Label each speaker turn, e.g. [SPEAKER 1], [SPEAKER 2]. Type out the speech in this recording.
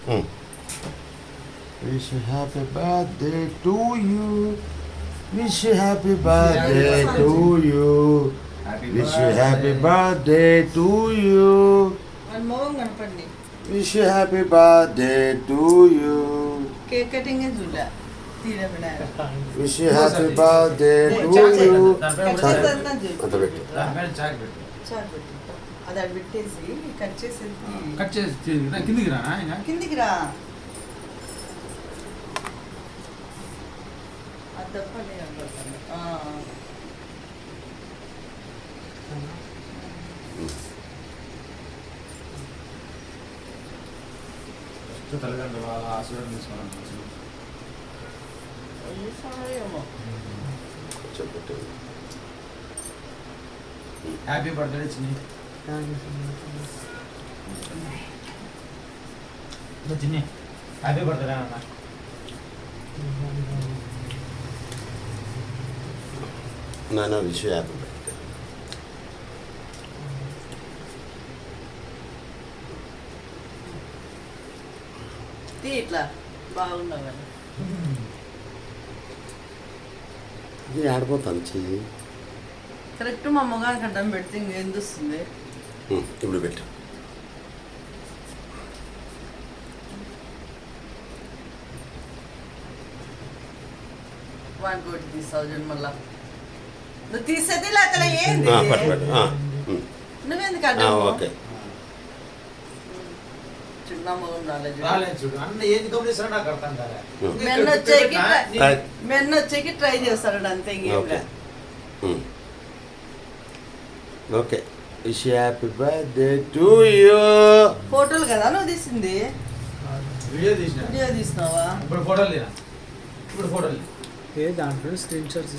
[SPEAKER 1] Wish you happy birthday to you. Wish you happy birthday to you. Wish you happy birthday to you.
[SPEAKER 2] మోహం కనపడి
[SPEAKER 1] Wish you happy birthday to you.
[SPEAKER 2] Cake cutting చూడ తీరబడా
[SPEAKER 1] Wish you happy birthday to you. అంత పెట్టు.
[SPEAKER 2] అది అక్కడ పెట్టేసి cut చేసి
[SPEAKER 3] కిందికి రానా ఇంకా
[SPEAKER 2] కిందికి రా అది తప్ప నేను అనుకుంటాను.
[SPEAKER 3] తల్లిదండ్రులు వాళ్ళ ఆశీర్వాదం తీసుకోవాలి.
[SPEAKER 2] ఈ సమయమో
[SPEAKER 1] కొంచెం పెట్టు.
[SPEAKER 3] హ్యాపీ బర్త్డే చిన్ని. చిన్ని హ్యాపీ బర్త్డే అన్న.
[SPEAKER 1] నాన్న విష్ యూ హ్యాపీ బర్త్డే.
[SPEAKER 2] తీ ఇట్లా బాగున్నావు కదా
[SPEAKER 1] ఇది ఆడిపోతాను చెయ్యి.
[SPEAKER 2] కరెక్ట్ మా మొగానికి అడ్డం పెడితే ఇంకేం వస్తుంది.
[SPEAKER 1] ఇప్పుడు పెట్టు.
[SPEAKER 2] వాడికి ఒకటి తీసావు చూడు మళ్ళా నువ్వు తీసేది లేక ఏంది
[SPEAKER 1] పట్టు పట్టు.
[SPEAKER 2] నువ్వెందుకు అడ్డం
[SPEAKER 1] ఓకే.
[SPEAKER 2] చిన్న మొగం రాలేదు
[SPEAKER 3] రాలేదు చూడు అన్న ఏది గమనిస్తారో నాకు అర్థం కాలే.
[SPEAKER 2] మెన్న వచ్చేకి ట్రై చేస్తాడు అంతే ఇంకేం
[SPEAKER 1] okay. Okay. Wish you happy birthday to you.
[SPEAKER 2] ఫోటోలు కదా నువ్వు తీసింది
[SPEAKER 3] వీడియో తీసిన
[SPEAKER 2] వీడియో తీసినావా
[SPEAKER 3] ఇప్పుడు ఫోటోలు తీనా ఇప్పుడు ఫోటోలు
[SPEAKER 4] ఏ దాంట్లో స్క్రీన్ షాట్